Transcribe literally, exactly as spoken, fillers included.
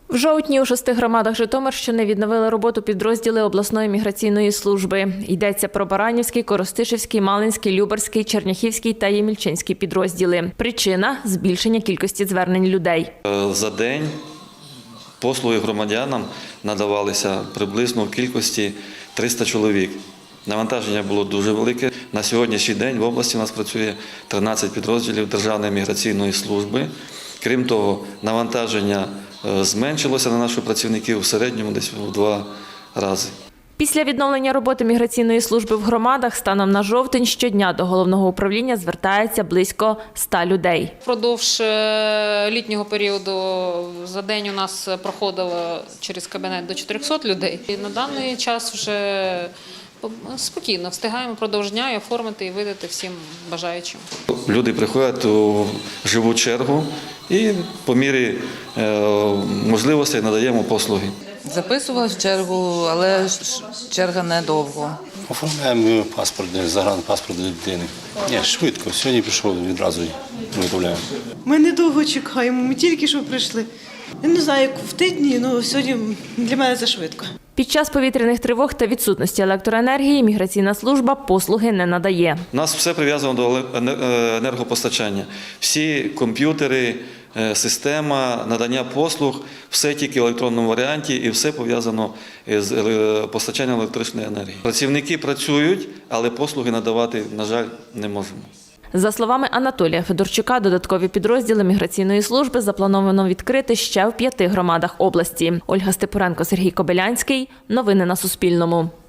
В жовтні у шести громадах Житомирщини відновили роботу підрозділи обласної міграційної служби. Йдеться про Баранівський, Коростишівський, Малинський, Любарський, Черняхівський та Ємільчинський підрозділи. Причина – збільшення кількості звернень людей. За день послуги громадянам надавалися приблизно в кількості триста чоловік. Навантаження було дуже велике. На сьогоднішній день в області у нас працює тринадцять підрозділів Державної міграційної служби. Крім того, навантаження зменшилося на наших працівників в середньому десь в два рази. Після відновлення роботи міграційної служби в громадах станом на жовтень щодня до головного управління звертається близько ста людей. Впродовж літнього періоду за день у нас проходило через кабінет до чотирьохсот людей. І на даний час вже спокійно встигаємо впродовж дня і оформити і видати всім бажаючим. Люди приходять у живу чергу і по мірі можливостей надаємо послуги. Записувалась в чергу, але черга недовго. Оформляємо паспорт, загранпаспорт для дитини. Ні, швидко. Сьогодні пішов, відразу виготовляємо. Ми недовго чекаємо, ми тільки що прийшли. Я не знаю, як в тижні, але сьогодні для мене це швидко. Під час повітряних тривог та відсутності електроенергії міграційна служба послуги не надає. У нас все прив'язано до енергопостачання. Всі комп'ютери, система надання послуг, все тільки в електронному варіанті і все пов'язано з постачанням електричної енергії. Працівники працюють, але послуги надавати, на жаль, не можемо. За словами Анатолія Федорчука, додаткові підрозділи міграційної служби заплановано відкрити ще в п'яти громадах області. Ольга Степуренко, Сергій Кобилянський. Новини на Суспільному.